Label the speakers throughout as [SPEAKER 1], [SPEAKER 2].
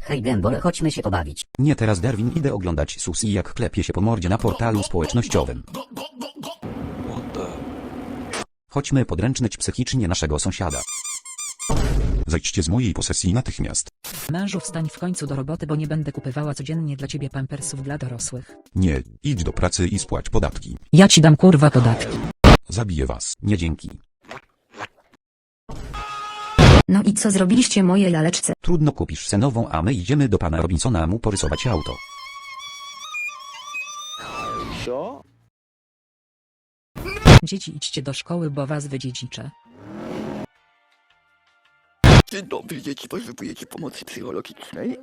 [SPEAKER 1] Hej Gembol, chodźmy się pobawić.
[SPEAKER 2] Nie teraz Darwin, idę oglądać Susi jak klepie się po mordzie na portalu społecznościowym. Chodźmy podręcznyć psychicznie naszego sąsiada.
[SPEAKER 3] Zejdźcie z mojej posesji natychmiast.
[SPEAKER 4] Mężu, wstań w końcu do roboty, bo nie będę kupowała codziennie dla ciebie pampersów dla dorosłych.
[SPEAKER 3] Nie, idź do pracy i spłać podatki.
[SPEAKER 4] Ja ci dam kurwa podatki.
[SPEAKER 3] Zabiję was.
[SPEAKER 2] Nie dzięki.
[SPEAKER 5] No i co zrobiliście moje laleczce?
[SPEAKER 2] Trudno, kupisz se nową, a my idziemy do pana Robinsona mu porysować auto.
[SPEAKER 4] Dzieci, idźcie do szkoły, bo was wydziedziczę.
[SPEAKER 6] Dzień dobry, dzieci, potrzebujecie pomocy psychologicznej?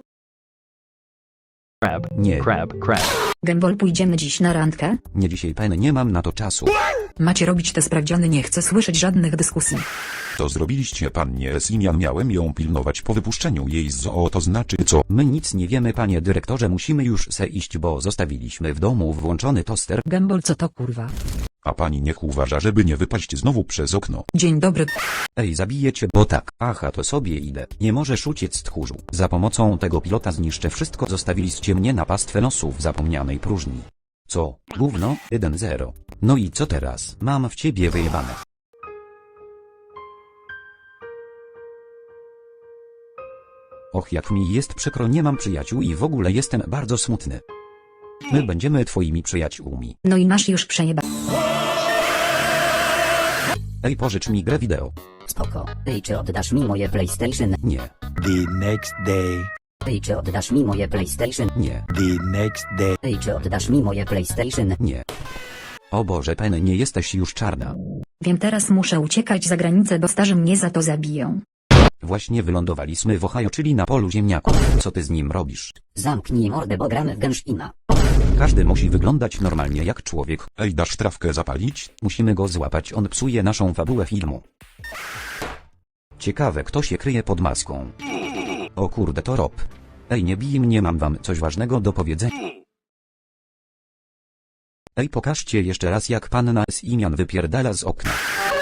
[SPEAKER 2] Nie,
[SPEAKER 5] Gembol, pójdziemy dziś na randkę?
[SPEAKER 2] nie dzisiaj, pen, nie mam na to czasu.
[SPEAKER 5] Macie robić te sprawdziany, nie chcę słyszeć żadnych dyskusji.
[SPEAKER 3] To zrobiliście pannie Simian, miałem ją pilnować po wypuszczeniu jej z zoo, to znaczy co?
[SPEAKER 2] My nic nie wiemy, panie dyrektorze, musimy już se iść, bo zostawiliśmy w domu włączony toster.
[SPEAKER 4] Gembol, co to kurwa?
[SPEAKER 3] A pani niech uważa, żeby nie wypaść znowu przez okno.
[SPEAKER 5] Dzień dobry.
[SPEAKER 2] Ej, zabiję cię, bo tak. Aha, to sobie idę. Nie możesz uciec, tchórzu. Za pomocą tego pilota zniszczę wszystko, zostawiliście mnie na pastwę losu w zapomnianej próżni. Co? Gówno? 1-0. No i co teraz? Mam w ciebie wyjebane. Och, jak mi jest przykro, nie mam przyjaciół i w ogóle jestem bardzo smutny. My będziemy twoimi przyjaciółmi.
[SPEAKER 5] No i masz już przejeba.
[SPEAKER 2] Ej, pożycz mi grę wideo.
[SPEAKER 1] Spoko. Ej, czy oddasz mi moje PlayStation?
[SPEAKER 2] Nie,
[SPEAKER 7] The next day,
[SPEAKER 1] Ej, czy oddasz mi moje PlayStation?
[SPEAKER 2] nie,
[SPEAKER 7] the next day,
[SPEAKER 1] Ej, czy oddasz mi moje PlayStation?
[SPEAKER 2] nie. O Boże, pen, nie jesteś już czarna.
[SPEAKER 5] Wiem, teraz muszę uciekać za granicę, bo starzy mnie za to zabiją.
[SPEAKER 2] Właśnie wylądowaliśmy w Ohio, czyli na polu ziemniaków. Co ty z nim robisz?
[SPEAKER 1] Zamknij mordę, bo gramy w Genshin'a.
[SPEAKER 2] Każdy musi wyglądać normalnie jak człowiek.
[SPEAKER 3] Ej, dasz trawkę zapalić?
[SPEAKER 2] Musimy go złapać, on psuje naszą fabułę filmu. Ciekawe, kto się kryje pod maską. O kurde, to Rob. Ej, nie bij mnie, mam wam coś ważnego do powiedzenia. Ej, pokażcie jeszcze raz, jak panna Simian wypierdala z okna.